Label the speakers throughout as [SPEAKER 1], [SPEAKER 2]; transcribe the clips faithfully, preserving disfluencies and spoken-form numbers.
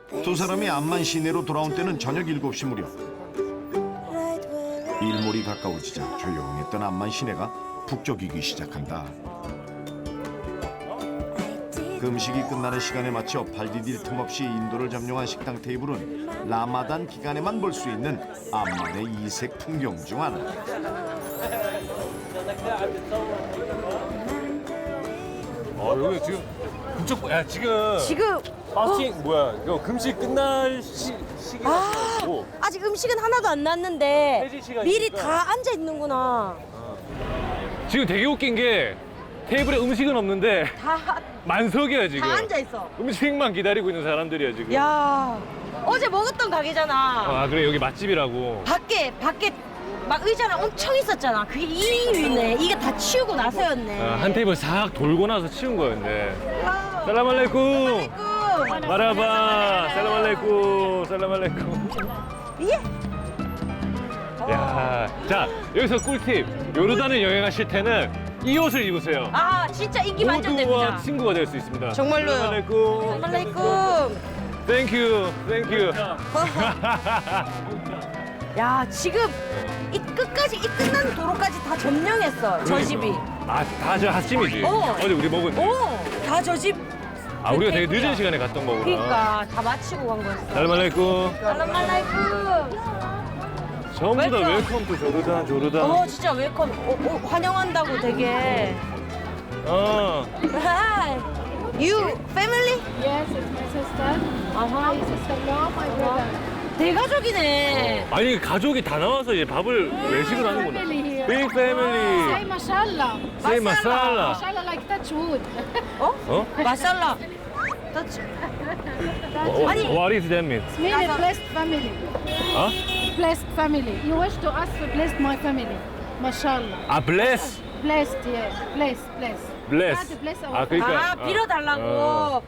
[SPEAKER 1] 두 사람이 암만 시내로 돌아온 때는 저녁 일곱 시 무렵. 일몰이 가까워지자 조용했던 암만 시내가 북적이기 시작한다. 금식이 끝나는 시간에 맞춰 발 디딜 틈 없이 인도를 점령한 식당 테이블은 라마단 기간에만 볼 수 있는 암만의 이색 풍경 중 하나.
[SPEAKER 2] 어 여기 지금 북쪽 야 지금
[SPEAKER 3] 지금
[SPEAKER 2] 파스팅 뭐야 이거 금식 끝날 시, 시기라고
[SPEAKER 3] 아직 음식은 하나도 안 났는데
[SPEAKER 2] 해질 시간이니까.
[SPEAKER 3] 미리 다 앉아 있는구나.
[SPEAKER 2] 지금 되게 웃긴 게 테이블에 음식은 없는데
[SPEAKER 3] 다,
[SPEAKER 2] 만석이야 지금
[SPEAKER 3] 다 앉아 있어.
[SPEAKER 2] 음식만 기다리고 있는 사람들이야 지금.
[SPEAKER 3] 야, 어제 먹었던 가게잖아.
[SPEAKER 2] 아 그래 여기 맛집이라고.
[SPEAKER 3] 밖에 밖에 막 의자랑 엄청 있었잖아. 그게 이 위네. 이게 다 치우고 나서였네.
[SPEAKER 2] 아, 한 테이블 싹 돌고 나서 치운 거였네. 살람 알레이쿰.
[SPEAKER 3] 아이고.
[SPEAKER 2] 마라바. 살람 알레이쿰. 살람 알레이쿰.
[SPEAKER 3] 예?
[SPEAKER 2] 야, 자 여기서 꿀팁. 요르단을 여행하실 때는 이 옷을 입으세요.
[SPEAKER 3] 아, 진짜 인기 만점
[SPEAKER 2] 모두와
[SPEAKER 3] 됩니다.
[SPEAKER 2] 친구가 될 수 있습니다.
[SPEAKER 3] 정말로요.
[SPEAKER 2] 살람 알레이쿰.
[SPEAKER 3] 알라이쿰.
[SPEAKER 2] 땡큐. 땡큐.
[SPEAKER 3] 야, 지금 이 끝까지 이 끝나는 도로까지 다 점령했어. 저 집이.
[SPEAKER 2] 아, 다 저 핫찜이지.
[SPEAKER 3] 어.
[SPEAKER 2] 어제 우리 먹은. 데.
[SPEAKER 3] 오, 다 저 집.
[SPEAKER 2] 아, 우리가 되게
[SPEAKER 3] 테이블이야.
[SPEAKER 2] 늦은 시간에 갔던 거구나.
[SPEAKER 3] 그러니까 다 마치고 간 거였어.
[SPEAKER 2] 살람 알레이쿰.
[SPEAKER 3] 알라말라이쿰.
[SPEAKER 2] 전부 다
[SPEAKER 3] 웰컴.
[SPEAKER 2] 웰컴 투 조르단, 조르단.
[SPEAKER 3] 어, 진짜 웰컴. 어, 어, 환영한다고 되게.
[SPEAKER 2] 어.
[SPEAKER 3] Hi. You family?
[SPEAKER 4] Yes, it's my sister.
[SPEAKER 3] 아하.
[SPEAKER 4] My sister-in-law, my brother.
[SPEAKER 3] 대가족이네.
[SPEAKER 2] 아니, 가족이 다 나와서 이제 밥을 외식을 하는구나.
[SPEAKER 4] Family here.
[SPEAKER 2] Big family.
[SPEAKER 4] Say mashallah.
[SPEAKER 2] Say masala.
[SPEAKER 4] Mashallah like touch wood.
[SPEAKER 3] 어?
[SPEAKER 2] 어?
[SPEAKER 3] 마살라. 터치.
[SPEAKER 2] 어,
[SPEAKER 3] 아니.
[SPEAKER 2] What is that mean?
[SPEAKER 4] It's mean a blessed family.
[SPEAKER 2] 어?
[SPEAKER 4] Blessed family. You wish to ask for blessed my family. Mashallah.
[SPEAKER 2] 아, bless.
[SPEAKER 4] Blessed, yes. Blessed, blessed.
[SPEAKER 2] bless.
[SPEAKER 4] God bless our
[SPEAKER 2] 아, 그러니까.
[SPEAKER 3] 아, 빌어달라고.
[SPEAKER 2] 어,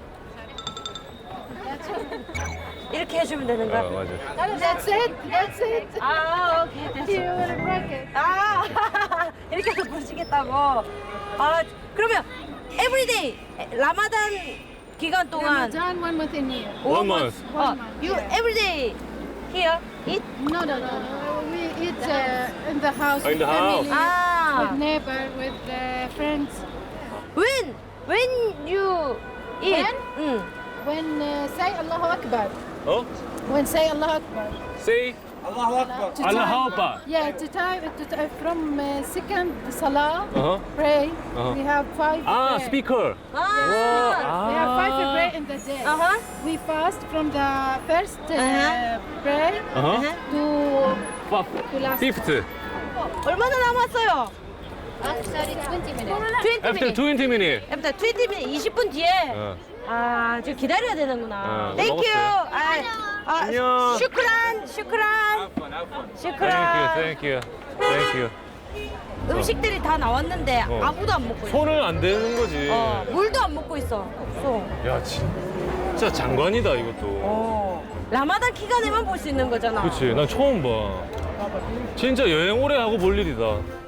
[SPEAKER 3] 이렇게 해주면 되는
[SPEAKER 2] 어,
[SPEAKER 3] 거야?
[SPEAKER 2] 맞아.
[SPEAKER 4] That's it. That's it.
[SPEAKER 3] 아, 오케이, 됐어.
[SPEAKER 4] You will break it.
[SPEAKER 3] 아, 이렇게 해서 부르시겠다고. 아, 그러면 everyday 라마단 기간 동안
[SPEAKER 4] Ramadan, one month in year.
[SPEAKER 2] One month.
[SPEAKER 3] 어, you everyday here eat?
[SPEAKER 4] No, no, no, no. We eat uh, in the house
[SPEAKER 2] Oh, in
[SPEAKER 4] with
[SPEAKER 2] the house.
[SPEAKER 4] family,
[SPEAKER 3] 아,
[SPEAKER 4] with neighbor, with uh, friends.
[SPEAKER 3] when when you eat?
[SPEAKER 4] When?
[SPEAKER 3] 응.
[SPEAKER 4] When uh, say Allahu Akbar.
[SPEAKER 2] 어?
[SPEAKER 4] When say Allahu Akbar.
[SPEAKER 2] Say
[SPEAKER 4] To
[SPEAKER 2] Allah
[SPEAKER 4] time-
[SPEAKER 2] Akbar.
[SPEAKER 4] Yeah, to time to time from uh, second salah
[SPEAKER 2] Uh-huh.
[SPEAKER 4] pray.
[SPEAKER 2] Uh-huh.
[SPEAKER 4] We have five.
[SPEAKER 2] 아,
[SPEAKER 4] prayer.
[SPEAKER 2] 스피커.
[SPEAKER 3] 아,
[SPEAKER 4] We have five
[SPEAKER 2] 아.
[SPEAKER 4] pray in the day.
[SPEAKER 3] 아하.
[SPEAKER 4] We fast from the first uh,
[SPEAKER 3] Uh-huh.
[SPEAKER 4] pray
[SPEAKER 2] 어허.
[SPEAKER 4] to
[SPEAKER 2] 파,
[SPEAKER 4] to last.
[SPEAKER 2] 피프트.
[SPEAKER 3] 얼마나 남았어요?
[SPEAKER 4] After twenty minutes.
[SPEAKER 3] twenty
[SPEAKER 2] After
[SPEAKER 3] minutes.
[SPEAKER 2] twenty minutes.
[SPEAKER 3] After twenty minutes, 이십 분 뒤에.
[SPEAKER 2] 어.
[SPEAKER 3] 아, 지금 기다려야 되는구나.
[SPEAKER 2] 어,
[SPEAKER 3] Thank you.
[SPEAKER 2] 먹었어요.
[SPEAKER 3] 아, 아,
[SPEAKER 2] 안녕.
[SPEAKER 3] 슈크란, 슈크란, 슈크란.
[SPEAKER 2] Thank you, thank you, thank you.
[SPEAKER 3] 음식들이 다 나왔는데
[SPEAKER 2] 어.
[SPEAKER 3] 아무도 안 먹고 있어.
[SPEAKER 2] 손을 안 대는 거지.
[SPEAKER 3] 어, 물도 안 먹고 있어. 없어.
[SPEAKER 2] 야, 진짜 장관이다 이것도.
[SPEAKER 3] 어. 라마단 기간에만 볼 수 있는 거잖아.
[SPEAKER 2] 그렇지, 난 처음 봐. 진짜 여행 오래 하고 볼 일이다.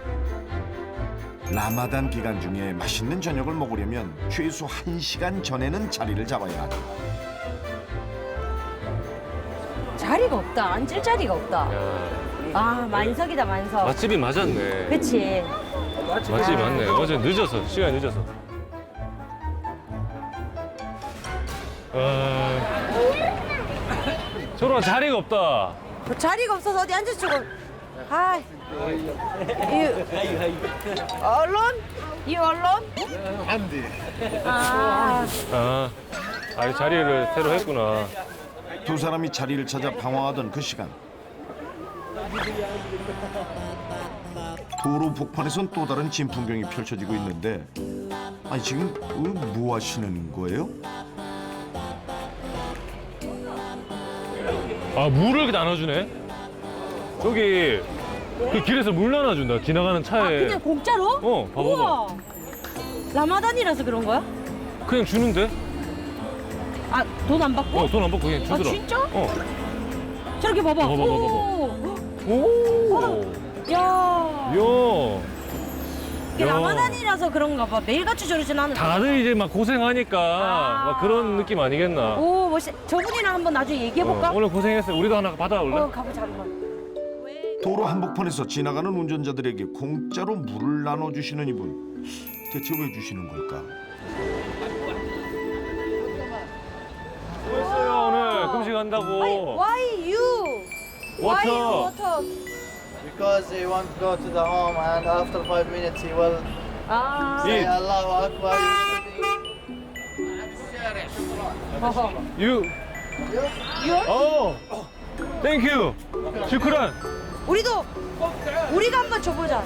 [SPEAKER 1] 라마단 기간 중에 맛있는 저녁을 먹으려면 최소 한 시간 전에는 자리를 잡아야 한다.
[SPEAKER 3] 자리가 없다. 앉을 자리가 없다.
[SPEAKER 2] 야,
[SPEAKER 3] 아, 만석이다, 만석.
[SPEAKER 2] 맛집이 맞았네.
[SPEAKER 3] 그치.
[SPEAKER 2] 맛집이 맞네. 어제 늦어서, 시간이 늦어서. 아, 저런 자리가 없다.
[SPEAKER 3] 뭐 자리가 없어서 어디 앉을 수가. 아, you alone? You alone? 아,
[SPEAKER 2] 아, 아, 이 자리를 새로 했구나.
[SPEAKER 1] 두 사람이 자리를 찾아 방황하던 그 시간. 도로 북판에선 또 다른 진풍경이 펼쳐지고 있는데, 아니 지금 어, 뭐 하시는 거예요?
[SPEAKER 2] 아, 물을 이렇게 나눠주네. 저기 그 길에서 물 나눠준다. 지나가는
[SPEAKER 3] 아,
[SPEAKER 2] 차에.
[SPEAKER 3] 그냥 공짜로?
[SPEAKER 2] 어, 봐봐봐.
[SPEAKER 3] 우와. 라마단이라서 그런 거야?
[SPEAKER 2] 그냥 주는데?
[SPEAKER 3] 아, 돈 안 받고?
[SPEAKER 2] 어, 돈 안 받고 그냥 주더라.
[SPEAKER 3] 아, 진짜?
[SPEAKER 2] 어.
[SPEAKER 3] 저렇게 봐봐.
[SPEAKER 2] 봐봐, 봐봐, 봐봐.
[SPEAKER 3] 오.
[SPEAKER 2] 오.
[SPEAKER 3] 야.
[SPEAKER 2] 이야.
[SPEAKER 3] 이게
[SPEAKER 2] 야.
[SPEAKER 3] 라마단이라서 그런가 봐. 매일같이 저러진 않을 거야.
[SPEAKER 2] 다들 이제 막 고생하니까
[SPEAKER 3] 아.
[SPEAKER 2] 막 그런 느낌 아니겠나?
[SPEAKER 3] 오, 멋있. 저분이랑 한번 나중에 얘기해볼까?
[SPEAKER 2] 어, 오늘 고생했어. 우리도 하나 받아올래?
[SPEAKER 3] 어, 가보자 한번.
[SPEAKER 1] 도로 한복판에서 지나가는 운전자들에게 공짜로 물을 나눠주시는 이분. 대체 왜 주시는 걸까?
[SPEAKER 2] 수고했어요 오늘 금식
[SPEAKER 3] 아니,
[SPEAKER 2] 한다고.
[SPEAKER 3] why you? Why you
[SPEAKER 2] Water.
[SPEAKER 3] water?
[SPEAKER 5] Because he wants to go to the home and after five minutes he will
[SPEAKER 3] 아.
[SPEAKER 2] 예.
[SPEAKER 5] say Allahu Akbar.
[SPEAKER 3] 어허.
[SPEAKER 2] You.
[SPEAKER 3] You?
[SPEAKER 2] 어. 땡큐. 슈크란.
[SPEAKER 3] 우리도 우리가 한번 줘보자.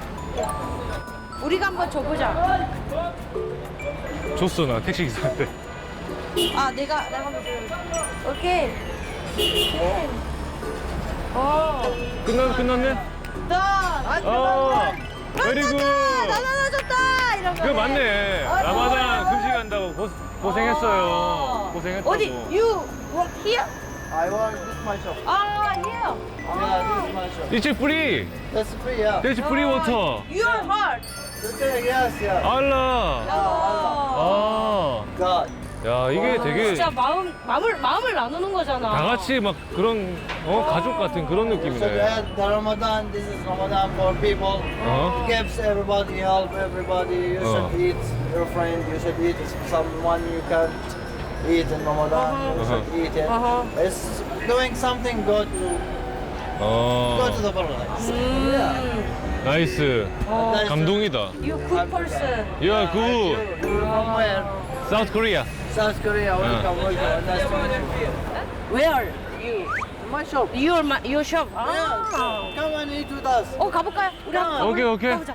[SPEAKER 3] 우리가 한번 줘보자.
[SPEAKER 2] 줬어 나 택시 기사한테.
[SPEAKER 3] 아, 내가 내가 한번 줘볼게. 오케이. 오케이. 어.
[SPEAKER 2] 끝났 끝났네.
[SPEAKER 3] 나.
[SPEAKER 2] 어. 베리 굿.
[SPEAKER 3] 나 나눠줬다 이런 거.
[SPEAKER 2] 그 맞네. 라마단 금식 한다고 고, 고생했어요. 고생했다고.
[SPEAKER 3] 어디? You work here?
[SPEAKER 5] I want this is my shop.
[SPEAKER 3] 아, here.
[SPEAKER 5] Yeah, this is my shop.
[SPEAKER 2] 이츠 프리.
[SPEAKER 5] That's free, yeah.
[SPEAKER 2] 대치 프리 워터.
[SPEAKER 3] Your heart.
[SPEAKER 5] Okay, yes, yeah.
[SPEAKER 2] 알라.
[SPEAKER 3] 어.
[SPEAKER 2] 아.
[SPEAKER 5] God.
[SPEAKER 2] 야 이게 되게
[SPEAKER 3] 진짜 마음 마음을 마음을 나누는 거잖아.
[SPEAKER 2] 다 같이 막 그런 어 가족 같은 그런
[SPEAKER 5] So
[SPEAKER 2] 느낌이네.
[SPEAKER 5] yeah, the Ramadan, this is Ramadan for people.
[SPEAKER 2] 어?
[SPEAKER 5] Gives everybody help, everybody. You should
[SPEAKER 2] Uh.
[SPEAKER 5] eat your friend, you should eat someone you can't eat in Ramadan. You should
[SPEAKER 2] Uh-huh.
[SPEAKER 5] eat it.
[SPEAKER 3] Uh-huh.
[SPEAKER 5] It's doing something good to go
[SPEAKER 2] 어.
[SPEAKER 5] to the paradise.
[SPEAKER 3] 음.
[SPEAKER 5] Yeah.
[SPEAKER 2] 나이스.
[SPEAKER 3] 어.
[SPEAKER 2] 감동이다.
[SPEAKER 3] You good person.
[SPEAKER 2] 야 굿.
[SPEAKER 5] You're from where?
[SPEAKER 2] 사우스 코리아.
[SPEAKER 5] South Korea. Welcome, welcome. Nice to meet you.
[SPEAKER 3] Where? You.
[SPEAKER 5] My shop.
[SPEAKER 3] Your ma- your shop. 아.
[SPEAKER 5] Yeah. Come and eat with us.
[SPEAKER 3] 어 가볼까요? 우리 한번
[SPEAKER 2] 오케이,
[SPEAKER 3] 가볼-
[SPEAKER 2] 오케이.
[SPEAKER 3] 가보자.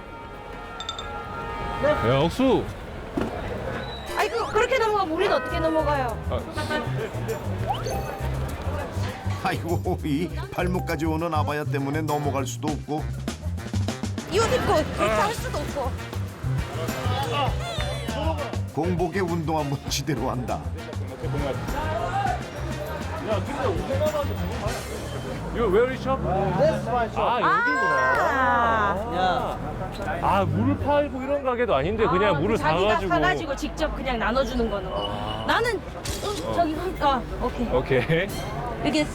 [SPEAKER 2] 야 억수.
[SPEAKER 3] 아이고 그렇게 넘어가면 우리는 어떻게 넘어가요?
[SPEAKER 1] 아이고 이 발목까지 오는 아바야 때문에 넘어갈 수도 없고.
[SPEAKER 3] 이 옷 입고 그렇게 할 수도 없고.
[SPEAKER 1] 공복에 운동 한번 지대로 한다.
[SPEAKER 2] 이거 웨어리 숍?
[SPEAKER 5] This is my shop.
[SPEAKER 2] 아 여기구나.
[SPEAKER 5] Yeah.
[SPEAKER 2] 아 물을 팔고 이런 가게도 아닌데 그냥
[SPEAKER 3] 아,
[SPEAKER 2] 물을
[SPEAKER 3] 자기가
[SPEAKER 2] 사가지고.
[SPEAKER 3] 사가지고 직접 그냥 나눠주는 거는. 나는 음, 저기 음, 아 오케이.
[SPEAKER 2] 오케이.
[SPEAKER 3] 이게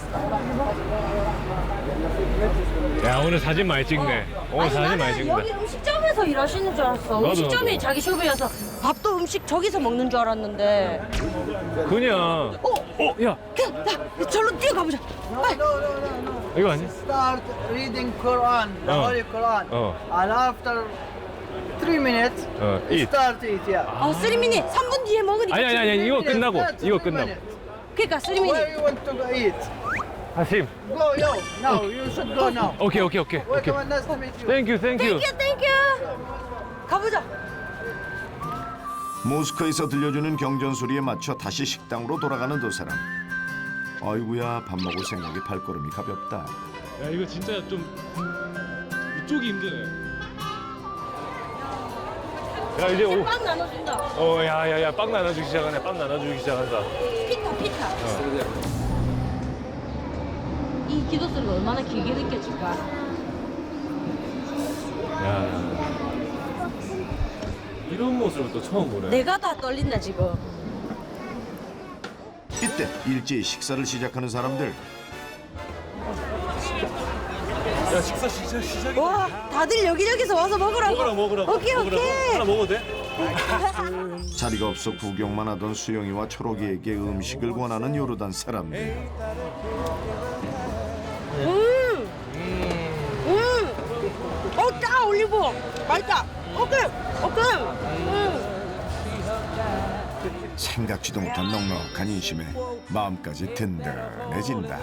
[SPEAKER 2] 야 오늘 사진 많이 찍네. 오늘
[SPEAKER 3] 아니
[SPEAKER 2] 사진 많이
[SPEAKER 3] 나는
[SPEAKER 2] 찍는다.
[SPEAKER 3] 여기 음식점에서 일하시는 줄 알았어.
[SPEAKER 2] 나도,
[SPEAKER 3] 음식점이
[SPEAKER 2] 나도.
[SPEAKER 3] 자기 숍이어서 밥도 음식 저기서 먹는 줄 알았는데.
[SPEAKER 2] 그냥.
[SPEAKER 3] 어,
[SPEAKER 2] 어 야
[SPEAKER 3] 그냥 나 절로 뛰어가보자. 빨리.
[SPEAKER 5] No, no, no, no.
[SPEAKER 2] 이거 아니야?
[SPEAKER 5] Start reading Quran, the
[SPEAKER 2] Oh.
[SPEAKER 5] Holy Quran,
[SPEAKER 2] Oh.
[SPEAKER 5] and after three minutes,
[SPEAKER 2] 어
[SPEAKER 5] you
[SPEAKER 2] 이.
[SPEAKER 5] start to eat. Yeah.
[SPEAKER 3] 아 쓰리미니 삼 분 뒤에 먹으니까.
[SPEAKER 2] 아니 아니 아니
[SPEAKER 5] Three
[SPEAKER 2] 이거
[SPEAKER 5] minutes,
[SPEAKER 2] 끝나고
[SPEAKER 5] that's
[SPEAKER 2] 이거
[SPEAKER 5] three
[SPEAKER 2] 끝나고.
[SPEAKER 5] minutes.
[SPEAKER 3] 그러니까 쓰리미니.
[SPEAKER 5] Where you want to go eat?
[SPEAKER 2] 하심.
[SPEAKER 5] Go, yo. Now you should go now.
[SPEAKER 2] 오케이 오케이 오케이 오케이.
[SPEAKER 5] Welcome and nice to meet you.
[SPEAKER 2] 땡큐 땡큐.
[SPEAKER 3] 땡큐 땡큐. 가보자.
[SPEAKER 1] 모스크에서 들려주는 경전 소리에 맞춰 다시 식당으로 돌아가는 두 사람. 아이고야 밥 먹을 생각에 발걸음이 가볍다.
[SPEAKER 2] 야 이거 진짜 좀 이쪽이 힘드네. 야 이제 오.
[SPEAKER 3] 빵 나눠준다.
[SPEAKER 2] 어 야야야 빵 나눠주기 시작하네. 빵 나눠주기 시작한다.
[SPEAKER 3] 피타 피타. 이 기도 소리가 얼마나 길게 느껴질까?
[SPEAKER 2] 야 이런 모습을 또 처음 보네.
[SPEAKER 3] 내가 다 떨린다 지금.
[SPEAKER 1] 이때 일제히 식사를 시작하는 사람들.
[SPEAKER 2] 야 식사 시작 시작이.
[SPEAKER 3] 와 다들 여기저기서 와서 먹으라고.
[SPEAKER 2] 먹으라 먹으라고.
[SPEAKER 3] 오케이
[SPEAKER 2] 먹으라고.
[SPEAKER 3] 오케이.
[SPEAKER 2] 하나 먹어도 돼?
[SPEAKER 1] 자리가 없어 구경만 하던 수영이와 초록이에게 음식을 권하는 요르단 사람들.
[SPEAKER 3] 음. 음. 어, 짜 올리브. 맛있다. 오케이. 오케이. 음.
[SPEAKER 1] 생각지도 못한 넉넉한 인심에 마음까지 든든해진다.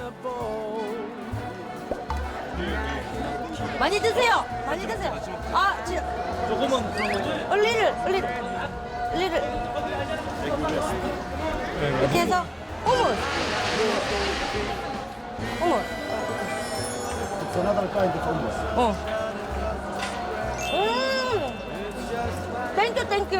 [SPEAKER 3] 많이 드세요. 많이 드세요. 아, 지,
[SPEAKER 2] 조금만.
[SPEAKER 3] 얼리를, 얼리를, 얼리를. 이렇게 해서 어머. 어머.
[SPEAKER 5] It's another kind of hummus.
[SPEAKER 3] 어. 음. 땡큐 땡큐.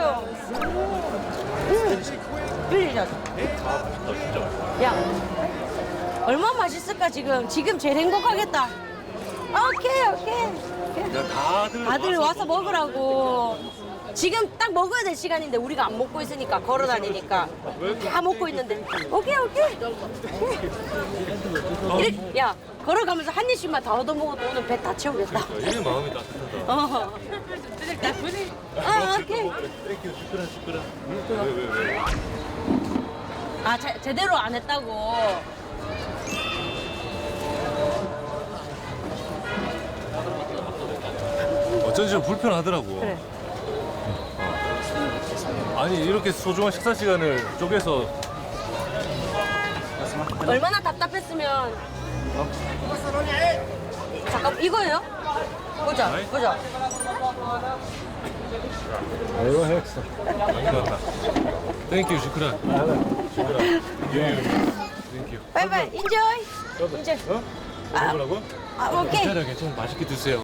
[SPEAKER 3] 음. 빌리자. 야. 얼마나 맛있을까 지금. 지금 제일 행복하겠다. 오케이 오케이.
[SPEAKER 2] 다들
[SPEAKER 3] 다들 와서 먹으라고. 지금 딱 먹어야 될 시간인데 우리가 안 먹고 있으니까 걸어 다니니까 다 먹고 있는데. 오케이 오케이. 이렇게, 야 걸어가면서 한 입씩만 다 얻어 먹어도 오늘 배 다 채우겠다.
[SPEAKER 2] 이게 마음이 따뜻하다.
[SPEAKER 3] 어. 아 오케이.
[SPEAKER 2] 왜왜 왜? 왜?
[SPEAKER 3] 아 제, 제대로 안 했다고.
[SPEAKER 2] 어쩐지 좀 불편하더라고.
[SPEAKER 3] 그래.
[SPEAKER 2] 어. 아니 이렇게 소중한 식사 시간을 쪼개서
[SPEAKER 3] 얼마나 답답했으면. 잠깐 이거예요? 보자
[SPEAKER 2] 아이.
[SPEAKER 3] 보자.
[SPEAKER 2] 많이 나왔다. 땡큐 슈크란. 슈크란. 유유. 땡큐.
[SPEAKER 3] 바이바이 인조이. 인조이.
[SPEAKER 2] 어? 먹으라고?
[SPEAKER 3] 아 오케이.
[SPEAKER 2] 괜찮아 괜찮아. 맛있게 드세요.